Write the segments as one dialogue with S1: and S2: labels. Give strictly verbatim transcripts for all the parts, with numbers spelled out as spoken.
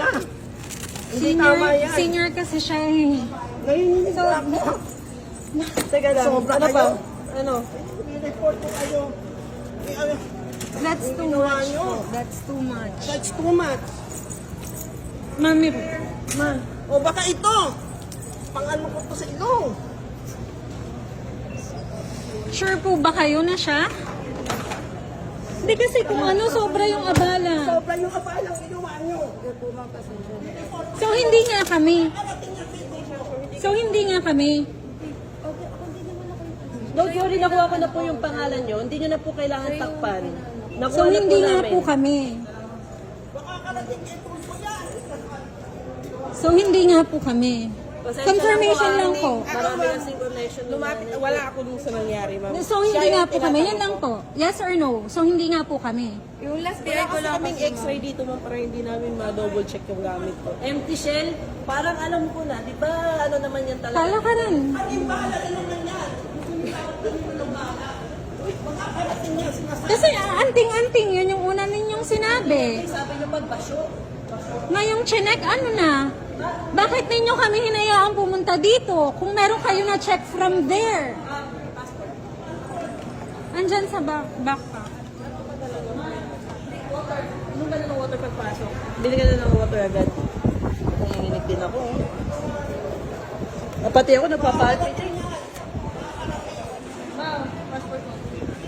S1: niya. Hindi
S2: Senior,
S1: tama yan.
S2: senior kasi siya eh.
S1: Nahihininig
S2: So,
S1: ako.
S3: Teka lang,
S1: Sobra
S3: ano
S1: kayo.
S3: pa? Ano?
S1: May report ko kayo. May ano,
S2: That's too
S1: ginawa
S2: much
S1: niyo.
S2: po. That's too much.
S1: That's too much.
S2: Mami,
S3: Ma,
S1: O baka ito. Pang-ano ko to sa ilong.
S2: sure po ba kayo na siya? Hindi kasi kung ano, sobra yung abala.
S1: Sobra yung kapalang ginawa niyo.
S2: So, hindi nga kami. So, hindi nga kami.
S3: don't worry, nakuha ko na po yung pangalan nyo. Hindi nyo na po kailangan takpan. Nakuha
S2: So,
S3: na
S2: hindi
S3: po
S2: nga
S3: namin.
S2: po kami. So, hindi nga po kami.
S3: Pasensya
S2: Confirmation
S3: na
S2: lang
S3: ah,
S2: po.
S3: Marami kasing connection.
S1: Lumapit, wala ako dun sa nangyari, ma'am.
S2: So, hindi nga po kami. Yan lang po. Yes or no? So, hindi nga po kami.
S1: Yung last
S3: Kaya ko lang kaming x-ray dito ma'am para hindi namin ma-double check yung gamit ko. Empty shell? Parang alam ko na, di ba ano naman yan talaga?
S2: Kala ka rin. Kasi ah, anting-anting, yun yung una ninyong sinabi.
S3: Sabi nyo pagbasyo.
S2: Ngayong chinek, ano na? Bakit ninyo kami hinayaan pumunta dito? Kung meron kayo na check from there. Andyan sa back backpack.
S3: Anong ba na ng water pagpasok? Bili ka na ng water agad. Nanginginig din ako. Ah, pati ako nagpapalpit. Ma'am, passport mo.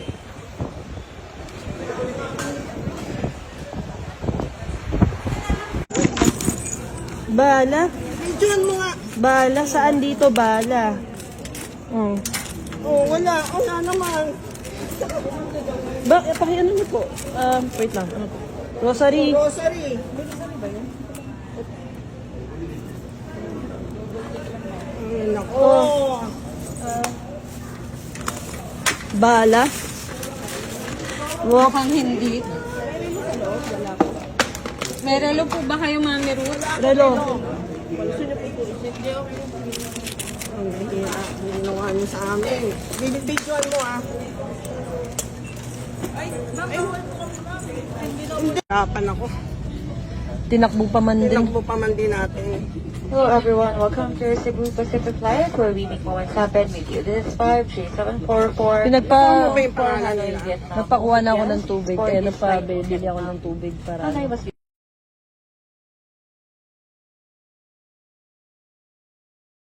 S3: Bala?
S1: Videoan mo nga.
S3: Bala? Saan dito bala? Oh.
S1: Oh, wala. Wala naman.
S3: Ba, eh, pakiano niyo po? Um, wait lang. Ano po? Rosary.
S1: Grocery. Ay, nako.
S3: Bala.
S2: Mukhang hindi. May relo po ba kayo, Mami Ruth?
S3: Relo.
S1: Ang hihira. Ginawa niyo sa amin. Binibidyoan mo ah. Hirapan ako.
S3: Tinakbo pa man din.
S1: Tinakbo pa man din natin.
S4: Hello everyone, welcome to Cebu Pacific Flight where we make moments happen with you. This is five three seven four four.
S3: Pinagpa...
S1: Ano ba yung pangalan nila?
S3: Napakuha na ako ng tubig. Kaya napabili ako ng tubig para...
S4: How was